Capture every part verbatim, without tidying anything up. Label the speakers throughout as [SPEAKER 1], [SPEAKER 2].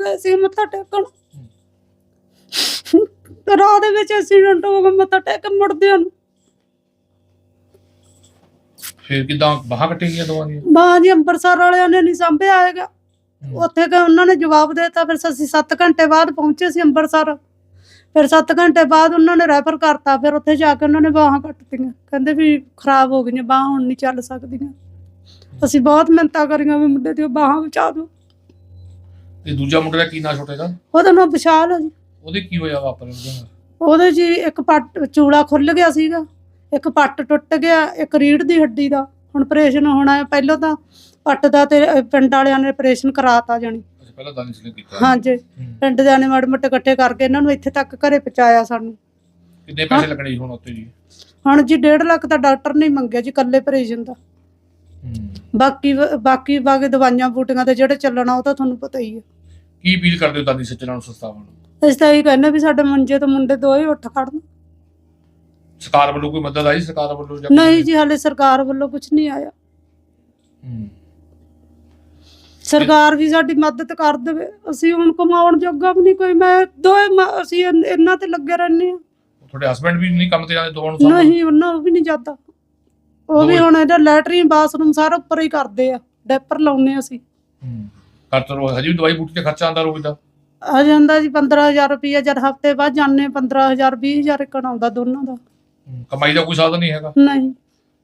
[SPEAKER 1] गए सी मत्था टेकण, राह दे विच एक्सीडेंट हो गया मत्था टेक के मुड़दे ਨੂੰ।
[SPEAKER 2] ਫਿਰ ਕਿਦਾਂ ਬਾਹਾਂ ਕੱਟੀਆਂ ਗਈਆਂ ਦੋਵਾਂ ਦੀਆਂ?
[SPEAKER 1] ਬਾਂਹ ਜੀ ਅੰਮ੍ਰਿਤਸਰ ਵਾਲਿਆਂ ਨੇ ਨਹੀਂ ਸਾਂਭਿਆ ਹੈਗਾ, ਉੱਥੇ ਗਏ ਉਹਨਾਂ ਨੇ ਜਵਾਬ ਦੇ ਦਿੱਤਾ। ਫਿਰ ਅਸੀਂ ਸੱਤ ਘੰਟੇ ਬਾਅਦ ਪਹੁੰਚੇ ਸੀ ਅੰਮ੍ਰਿਤਸਰ, ਫਿਰ ਸੱਤ ਘੰਟੇ ਬਾਅਦ ਉਹਨਾਂ ਨੇ ਰੈਫਰ ਕਰਤਾ। ਫਿਰ ਉੱਥੇ ਜਾ ਕੇ ਉਹਨਾਂ ਨੇ ਬਾਹਾਂ ਕੱਟਤੀਆਂ, ਕਹਿੰਦੇ ਵੀ ਖਰਾਬ ਹੋ ਗਈਆਂ ਬਾਹਾਂ, ਹੁਣ ਨਹੀਂ ਚੱਲ ਸਕਦੀਆਂ। ਅਸੀਂ ਬਹੁਤ ਮਿਹਨਤਾਂ ਕਰੀਆਂ ਵੀ ਮੁੰਡੇ ਦੀਆਂ ਬਾਹਾਂ ਬਚਾ ਦਿਓ।
[SPEAKER 2] ਤੇ ਦੂਜਾ ਮੁੰਡੇ ਦਾ ਕੀ ਨਾਂ ਛੋਟੇ ਦਾ?
[SPEAKER 1] ਉਹਦਾ ਨਾਂ ਵਿਸ਼ਾਲ ਆ ਜੀ।
[SPEAKER 2] ਉਹਦੇ ਕੀ ਹੋਇਆ ਵਾਪਰ ਉਹਦੇ ਨਾਲ?
[SPEAKER 1] ਉਹਦੇ ਜੀ ਇੱਕ ਪੱਟ ਚੂੜਾ ਖੁੱਲ ਗਿਆ ਸੀਗਾ, ਇੱਕ ਪੱਟ ਟੁੱਟ ਗਿਆ, ਇੱਕ ਰੀੜ੍ਹ ਦੀ ਹੱਡੀ ਦਾ ਹੁਣ ਆਪਰੇਸ਼ਨ ਹੋਣਾ ਹੈ। ਪਹਿਲਾਂ ਤਾਂ ਪੱਟ ਦਾ ਤੇ ਪਿੰਡ ਵਾਲਿਆਂ ਨੇ ਆਪਰੇਸ਼ਨ ਕਰਾਤਾ ਜਾਣੀ।
[SPEAKER 2] ਪਹਿਲਾਂ ਦਾਨੀ ਸਿੰਘ ਕੀਤਾ?
[SPEAKER 1] ਹਾਂਜੀ, ਪਿੰਡ ਦੇ ਨੇ ਮਾੜੇ ਮੋਟੇ ਇਕੱਠੇ ਕਰਕੇ ਇਹਨਾਂ ਨੂੰ ਇੱਥੇ ਤੱਕ ਘਰੇ ਪਹੁੰਚਾਇਆ ਸਾਨੂੰ।
[SPEAKER 2] ਕਿੰਨੇ ਪੈਸੇ ਲੱਗਣੇ ਜੀ ਹੁਣ ਉੱਤੇ ਜੀ?
[SPEAKER 1] ਹੁਣ ਜੀ ਡੇਢ ਲੱਖ ਤਾਂ ਡਾਕਟਰ ਨੇ ਮੰਗਿਆ ਜੀ ਇਕੱਲੇ ਆਪਰੇਸ਼ਨ ਦਾ। ਬਾਕੀ ਬਾਕੀ ਬਾਕੀ ਦਵਾਈਆਂ ਬੂਟੀਆਂ ਤੇ ਜਿਹੜੇ ਚੱਲਣਾ ਉਹ ਤਾਂ ਤੁਹਾਨੂੰ ਪਤਾ ਹੀ ਹੈ।
[SPEAKER 2] ਕੀ ਅਪੀਲ ਕਰਦੇ ਹੋ ਦਾਨੀ ਸੱਜਣਾਂ ਨੂੰ, ਸੰਸਥਾਵਾਂ ਨੂੰ?
[SPEAKER 1] ਅਸੀਂ ਤਾਂ ਇਹ ਕਹਿੰਦੇ ਵੀ ਸਾਡੇ ਮੰਜੇ ਤੋਂ ਮੁੰਡੇ ਦੋਏ ਉੱਠ ਖੜਨ।
[SPEAKER 2] ਸਰਕਾਰ ਵੱਲੋਂ ਕੋਈ ਮਦਦ ਆਈ? ਸਰਕਾਰ ਵੱਲੋਂ
[SPEAKER 1] ਨਹੀਂ ਜੀ, ਹਾਲੇ ਸਰਕਾਰ ਵੱਲੋਂ ਕੁਝ ਨਹੀਂ ਆਇਆ। ਸਰਕਾਰ ਵੀ ਸਾਡੀ ਮਦਦ ਕਰ ਦੇਵੇ, ਅਸੀਂ ਹੁਣ ਕਮਾਉਣ ਜੋਗਾ ਵੀ ਨਹੀਂ ਕੋਈ। ਮੈਂ ਦੋਏ ਅਸੀਂ ਇਹਨਾਂ ਤੇ ਲੱਗੇ ਰਹਿੰਦੇ ਹਾਂ।
[SPEAKER 2] ਤੁਹਾਡੇ ਹਸਬੰਡ ਵੀ ਨਹੀਂ ਕੰਮ ਤੇ ਜਾਂਦੇ ਦੋਵਾਂ ਨੂੰ?
[SPEAKER 1] ਨਹੀਂ, ਉਹਨਾਂ ਵੀ ਨਹੀਂ ਜਾਂਦਾ। ਉਹ ਵੀ ਹੁਣ ਇਹਦਾ ਲੈਟਰੀਨ ਬਾਥਰੂਮ ਸਾਰਾ ਉੱਪਰ ਹੀ ਕਰਦੇ ਆ, ਡੈਪਰ ਲਾਉਨੇ ਅਸੀਂ।
[SPEAKER 2] ਖਰਚ ਰੋ ਹਜੇ ਵੀ ਦਵਾਈ ਬੂਟੀ ਤੇ ਖਰਚਾ ਆਉਂਦਾ ਰੋਜ਼ ਦਾ?
[SPEAKER 1] ਆ ਜਾਂਦਾ ਜੀ ਪੰਦਰਾਂ ਹਜ਼ਾਰ ਰੁਪਈਆ, ਜਦ ਹਫ਼ਤੇ ਬਾਅਦ ਜਾਂਦੇ ਪੰਦਰਾਂ ਹਜ਼ਾਰ ਵੀਹ ਹਜ਼ਾਰ ਇੱਕ ਆਉਂਦਾ ਦੋਨਾਂ ਦਾ।
[SPEAKER 2] ਕਮਾਈ ਦਾ ਕੋਈ ਸਾਧਨ ਨਹੀਂ ਹੈਗਾ?
[SPEAKER 1] ਨਹੀਂ,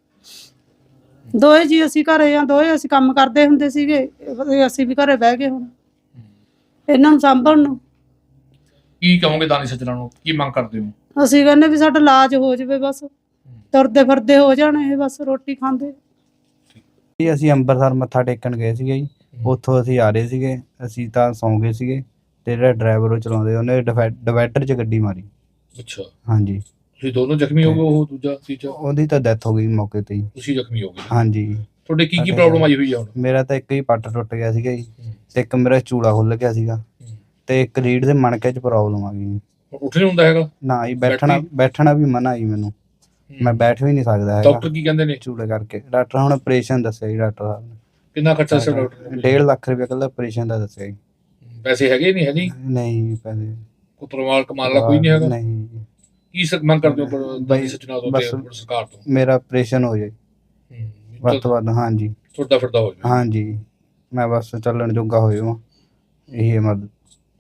[SPEAKER 1] ਦੋਏ ਜੀ ਅਸੀਂ ਘਰੇ ਆ, ਦੋਏ ਅਸੀਂ ਕੰਮ ਕਰਦੇ ਹੁੰਦੇ ਸੀਗੇ, ਅਸੀਂ ਵੀ ਘਰੇ ਬਹਿ ਗਏ ਹੁਣ ਇਹਨਾਂ ਨੂੰ ਸਾਂਭਣ ਨੂੰ।
[SPEAKER 2] ਕੀ ਕਹੋਗੇ ਦਾਨੀ ਸੱਜਣਾਂ ਨੂੰ, ਕੀ ਮੰਗ ਕਰਦੇ ਹੋ?
[SPEAKER 1] ਅਸੀਂ ਕਹਿੰਦੇ ਵੀ ਸਾਡਾ ਇਲਾਜ ਹੋ ਜਾਵੇ, ਬਸ ਤੁਰਦੇ ਫਿਰਦੇ ਹੋ ਜਾਣ ਇਹ, ਬਸ ਰੋਟੀ ਖਾਂਦੇ।
[SPEAKER 3] ਜੀ ਅਸੀਂ ਅੰਮ੍ਰਿਤਸਰ ਮੱਥਾ ਟੇਕਣ ਗਏ ਸੀਗੇ ਜੀ, ਉੱਥੋਂ ਅਸੀਂ ਆ ਰਹੇ ਸੀਗੇ, ਅਸੀਂ ਤਾਂ ਸੌਂ ਗਏ ਸੀਗੇ ਤੇ ਜਿਹੜਾ ਡਰਾਈਵਰ ਉਹ ਚਲਾਉਂਦੇ ਉਹਨੇ ਡਿਵਾਈਡਰ 'ਚ ਗੱਡੀ ਮਾਰੀ।
[SPEAKER 2] ਅੱਛਾ,
[SPEAKER 3] ਹਾਂਜੀ।
[SPEAKER 2] ਤੁਸੀਂ ਦੋਨੋਂ ਜ਼ਖਮੀ ਹੋ ਗਏ? ਉਹ ਦੂਜਾ ਤੀਜਾ?
[SPEAKER 3] ਉਹਦੀ ਤਾਂ ਡੈਥ ਹੋ ਗਈ ਮੌਕੇ ਤੇ ਹੀ।
[SPEAKER 2] ਤੁਸੀਂ ਜ਼ਖਮੀ ਹੋ ਗਏ?
[SPEAKER 3] ਹਾਂਜੀ।
[SPEAKER 2] ਤੁਹਾਡੇ ਕੀ ਕੀ ਪ੍ਰੋਬਲਮ ਆਈ ਹੋਈ ਆ ਹੁਣ?
[SPEAKER 3] ਮੇਰਾ ਤਾਂ ਇੱਕ ਹੀ ਪੱਟ ਟੁੱਟ ਗਿਆ ਸੀਗਾ ਜੀ, ਤੇ ਇੱਕ ਮੇਰਾ ਚੂੜਾ ਖੁੱਲ ਗਿਆ ਸੀਗਾ, ਤੇ ਇੱਕ ਰੀੜ ਦੇ ਮਣਕੇ 'ਚ ਪ੍ਰੋਬਲਮ ਆ ਗਈ।
[SPEAKER 2] ਉੱਠ ਨਹੀਂ ਹੁੰਦਾ ਹੈਗਾ?
[SPEAKER 3] ਨਾ ਜੀ, ਬੈਠਣਾ ਬੈਠਣਾ ਵੀ ਮਨਾ ਜੀ ਮੈਨੂੰ, ਮੈਂ ਬੈਠ ਵੀ ਨਹੀਂ ਸਕਦਾ ਹੈਗਾ।
[SPEAKER 2] ਡਾਕਟਰ ਕੀ ਕਹਿੰਦੇ ਨੇ?
[SPEAKER 3] ਚੂੜੇ ਕਰਕੇ ਡਾਕਟਰ ਹੁਣ ਆਪਰੇਸ਼ਨ ਦੱਸਿਆ ਜੀ ਡਾਕਟਰ ਸਾਹਿਬ ਨੇ।
[SPEAKER 2] ਕਿੰਨਾ ਖਰਚਾ ਸੀ ਡਾਕਟਰ ਨੇ?
[SPEAKER 3] ਡੇਢ ਲੱਖ ਰੁਪਏ ਕੱਲਾ ਆਪਰੇਸ਼ਨ ਦਾ ਦੱਸਿਆ ਜੀ।
[SPEAKER 2] ਪੈਸੇ ਹੈਗੇ ਨਹੀਂ? ਹੈ ਨਹੀਂ?
[SPEAKER 3] ਨਹੀਂ ਪੈਸੇ
[SPEAKER 2] ਕੋਈ ਪਰਿਵਾਰ ਕਮਾਉਣ ਵਾਲਾ ਕੋਈ ਨਹੀਂ ਹੈਗਾ?
[SPEAKER 3] ਨਹੀਂ।
[SPEAKER 2] ਕੀ ਮੰਗ ਕਰਦੇ ਹੋ ਦਾਨੀ ਸੱਜਣਾਂ ਤੋਂ ਤੇ ਸਰਕਾਰ ਤੋਂ?
[SPEAKER 3] ਮੇਰਾ ਆਪਰੇਸ਼ਨ ਹੋ ਜਾਏ ਵੱਧ ਤੋਂ ਵੱਧ। ਹਾਂਜੀ,
[SPEAKER 2] ਤੁਰਦਾ ਫਿਰਦਾ ਹੋ ਜਾਏ।
[SPEAKER 3] ਹਾਂਜੀ, ਮੈਂ ਬਸ ਚੱਲਣ ਜੋਗਾ ਹੋ ਜਾਵਾਂ, ਇਹੀ ਹੈ ਮਦਦ।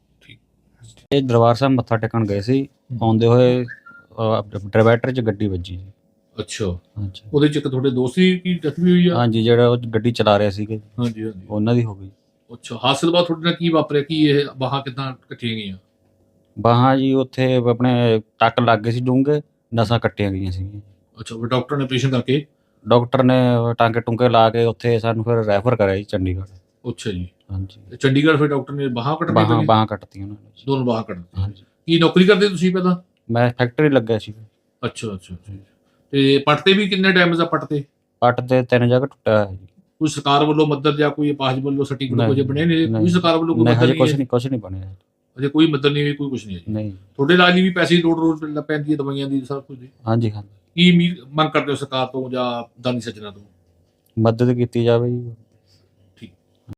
[SPEAKER 4] ਇਹ ਦਰਬਾਰ ਸਾਹਿਬ ਮੱਥਾ ਟੇਕਣ ਗਏ ਸੀ, ਆਉਂਦੇ ਹੋਏ ਡਿਵਾਈਡਰ 'ਚ ਗੱਡੀ ਵੱਜੀ ਜੀ।
[SPEAKER 2] ਅੱਛਾ,
[SPEAKER 4] ਹਾਂਜੀ।
[SPEAKER 2] ਉਹਦੇ 'ਚ ਇੱਕ ਤੁਹਾਡੇ ਦੋਸਤ ਦੀ ਕੀ ਜ਼ਖਮੀ ਹੋਈ ਆ?
[SPEAKER 4] ਹਾਂਜੀ, ਜਿਹੜਾ ਉਹ ਗੱਡੀ ਚਲਾ ਰਿਹਾ ਸੀਗੇ,
[SPEAKER 2] ਹਾਂਜੀ ਹਾਂਜੀ,
[SPEAKER 4] ਉਹਨਾਂ ਦੀ ਹੋ ਗਈ।
[SPEAKER 2] ਅੱਛਾ, ਹਾਦਸੇ ਤੋਂ ਬਾਅਦ ਤੁਹਾਡੇ ਨਾਲ ਕੀ ਵਾਪਰਿਆ? ਕੀ ਇਹ ਬਾਹਾਂ ਕਿੱਦਾਂ ਕੱਟੀਆਂ ਗਈਆਂ?
[SPEAKER 4] ਬਾਹਾਂ ਜੀ ਉੱਥੇ ਆਪਣੇ ਟੱਕ ਲੱਗ ਗਏ ਸੀ ਡੂੰਘੇ, ਨਸਾਂ ਕੱਟੀਆਂ ਗਈਆਂ ਸੀਗੀਆਂ।
[SPEAKER 2] ਅੱਛਾ, ਫਿਰ ਡਾਕਟਰ ਨੇ ਆਪਰੇਸ਼ਨ ਕਰਕੇ?
[SPEAKER 4] ਡਾਕਟਰ ਨੇ ਟਾਂਕੇ ਟੁੰਕੇ ਲਾ ਕੇ ਉੱਥੇ ਸਾਨੂੰ ਫਿਰ ਰੈਫਰ ਕਰਿਆ ਜੀ ਚੰਡੀਗੜ੍ਹ।
[SPEAKER 2] ਅੱਛਾ ਜੀ।
[SPEAKER 4] ਹਾਂਜੀ,
[SPEAKER 2] ਤੇ ਚੰਡੀਗੜ੍ਹ ਫਿਰ ਡਾਕਟਰ ਨੇ ਬਾਹਾਂ ਕੱਟਣੀਆਂ?
[SPEAKER 4] ਬਾਹਾਂ ਬਾਹਾਂ ਕੱਟਤੀਆਂ ਉਹਨਾਂ ਨੇ।
[SPEAKER 2] ਦੋਨੋਂ ਬਾਹਾਂ ਕੱਟਤੀਆਂ।
[SPEAKER 4] ਹਾਂਜੀ।
[SPEAKER 2] ਕੀ ਨੌਕਰੀ ਕਰਦੇ ਤੁਸੀਂ ਪਹਿਲਾਂ?
[SPEAKER 4] ਮੈਂ ਫੈਕਟਰੀ ਲੱਗਿਆ ਸੀ।
[SPEAKER 2] ਅੱਛਾ ਅੱਛਾ, ਤੇ ਪੱਟ ਤੇ ਵੀ ਕਿੰਨੇ ਡੈਮੇਜ ਆ? ਪੱਟ ਤੇ
[SPEAKER 4] ਪੱਟ ਤੇ ਤਿੰਨ ਜਗ੍ਹਾ ਟੁੱਟਿਆ ਹੋਇਆ ਜੀ।
[SPEAKER 2] ਕੋਈ ਸਰਕਾਰ ਵੱਲੋਂ ਮਦਦ ਜਾਂ ਕੋਈ ਅਪਾਹਜ ਵੱਲੋਂ ਸਰਟੀਫਿਕੇਟ ਕੁਝ ਬਣੇ ਨੇ? ਕੋਈ ਸਰਕਾਰ ਵੱਲੋਂ ਕੋਈ ਮਦਦ
[SPEAKER 4] ਨਹੀਂ,
[SPEAKER 2] ਨਹੀਂ?
[SPEAKER 4] ਕੁਝ ਨਹੀਂ ਕੁਝ ਨਹੀਂ ਬਣਿਆ
[SPEAKER 2] ਅਜੇ ਕੋਈ ਮਦਦ ਨਹੀਂ ਹੋਈ, ਕੋਈ ਕੁਝ ਨਹੀਂ?
[SPEAKER 4] ਨਹੀਂ।
[SPEAKER 2] ਤੁਹਾਡੇ ਇਲਾਜ ਲਈ ਵੀ ਪੈਸੇ ਦੀ ਲੋੜ ਰੋਜ਼ ਪੈਂਦੀ ਹੈ, ਦਵਾਈਆਂ ਦੀ, ਸਭ ਕੁਝ ਦੀ?
[SPEAKER 4] ਹਾਂਜੀ ਹਾਂਜੀ।
[SPEAKER 2] ਕੀ ਮੰਗ ਕਰਦੇ ਹੋ ਸਰਕਾਰ ਤੋਂ ਜਾਂ ਦਾਨੀ ਸੱਜਣਾਂ ਤੋਂ?
[SPEAKER 4] ਮਦਦ ਕੀਤੀ ਜਾਵੇ ਜੀ।